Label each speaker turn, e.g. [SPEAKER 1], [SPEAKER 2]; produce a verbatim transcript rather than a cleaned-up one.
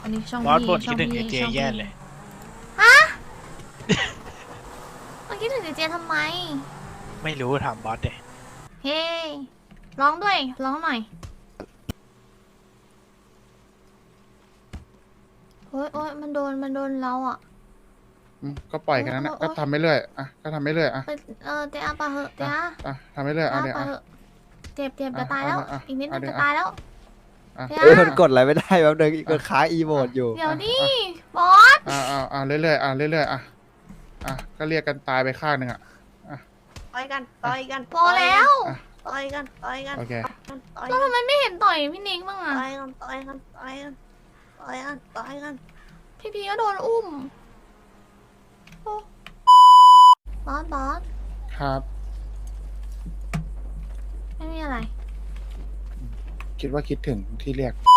[SPEAKER 1] อันนี้ช่อง
[SPEAKER 2] บอส
[SPEAKER 1] พี่
[SPEAKER 2] บ่น
[SPEAKER 1] ช่
[SPEAKER 2] คิ
[SPEAKER 1] อ
[SPEAKER 2] ด
[SPEAKER 1] ง
[SPEAKER 2] ถึง
[SPEAKER 1] พี่
[SPEAKER 2] ไอเจ
[SPEAKER 1] ช่อง
[SPEAKER 2] แย่
[SPEAKER 1] พี่
[SPEAKER 2] เลย
[SPEAKER 1] ฮะมันคิดถึงเจเจทำไม
[SPEAKER 2] ไม่รู้ถามบอสเด
[SPEAKER 1] เฮ้ร้องด้วยร้องหน่อยโอ้ยโอ้ยมันโดนมันโดนเราอ่ะ
[SPEAKER 3] อืมก็ปล่อยกันนั้นนะ
[SPEAKER 1] โอ๊
[SPEAKER 3] ก็
[SPEAKER 1] ย
[SPEAKER 3] ทำไปเรื่อยอ่ะก็ทำไปเรื่อยอ่ะ
[SPEAKER 1] ไปเออเตะอาปะเหอะเตะ
[SPEAKER 3] อ่ะ
[SPEAKER 1] อา
[SPEAKER 3] อ่ะทำไปเรื่อย
[SPEAKER 1] เตะ
[SPEAKER 3] อ่ะ
[SPEAKER 1] อา
[SPEAKER 3] เนี่ย
[SPEAKER 1] ปะ
[SPEAKER 3] อ่ะ
[SPEAKER 1] เหอะเจ็บเจ็บ
[SPEAKER 3] อ่ะ
[SPEAKER 1] จะตายแล้ว
[SPEAKER 3] อ่ะ
[SPEAKER 1] อีกนิดนึ
[SPEAKER 3] อ่ะ
[SPEAKER 1] ง
[SPEAKER 3] เดี๋
[SPEAKER 1] จะ
[SPEAKER 3] ยว
[SPEAKER 1] ตายแล้ว
[SPEAKER 3] อ่ะ
[SPEAKER 1] เดี๋ยว
[SPEAKER 4] เอ้ยมันกดอะไรไม่ได้แป๊บนึงกดค้างอีโมดอยู่
[SPEAKER 1] เดี๋ยว
[SPEAKER 3] อ่ะ
[SPEAKER 1] ดิ
[SPEAKER 3] อ่ะ
[SPEAKER 1] บอส
[SPEAKER 3] อ่ะอ่ะอ่ะเรื่อยๆอ่ะเรื่อยๆอ่ะอ่ะก็เรียกกันตายไปข้างหนึ่งอ่ะ
[SPEAKER 5] ต่อยกันต่อยกัน
[SPEAKER 1] พอแล้ว
[SPEAKER 3] อ่ะ
[SPEAKER 5] ต่อยกันต่อยกัน
[SPEAKER 3] โอเค
[SPEAKER 5] ต่อย
[SPEAKER 1] แล้ว
[SPEAKER 5] กัน
[SPEAKER 1] ทำไมไม่เห็นต่อยพี่นิกบ้างอ่ะ
[SPEAKER 5] ต่อยกันต่อยกันต่อยกันต่อยกันต่อยกัน
[SPEAKER 1] พี่พีก็โดนอุ้มโอ้บอสบอส
[SPEAKER 3] ครับ
[SPEAKER 1] ไม่มีอะไร
[SPEAKER 3] คิดว่าคิดถึงที่เรียก